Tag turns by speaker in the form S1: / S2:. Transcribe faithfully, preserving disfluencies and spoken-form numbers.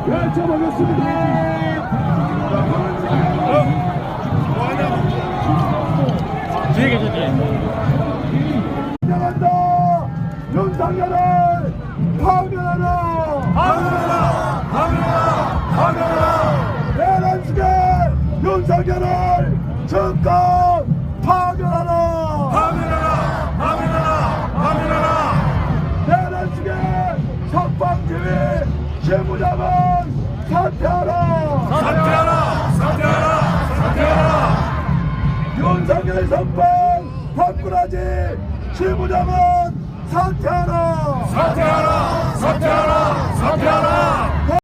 S1: 외쳐보겠습니다.
S2: 뒤에 계셨지?
S1: 인정한다. 윤석열을 파면하라. 파면하라. 파면하라. 파면하라. 내란식의 윤석열을 즉각 파면하라. 파면하라. 파면하라. 파면하라. 내란식의 석방지휘 실무자만 사퇴하라. 사퇴하라. 사퇴하라. 사퇴하라. 윤석열 선방 박근하지 실무자만 사퇴하라. 사퇴하라. 사퇴하라.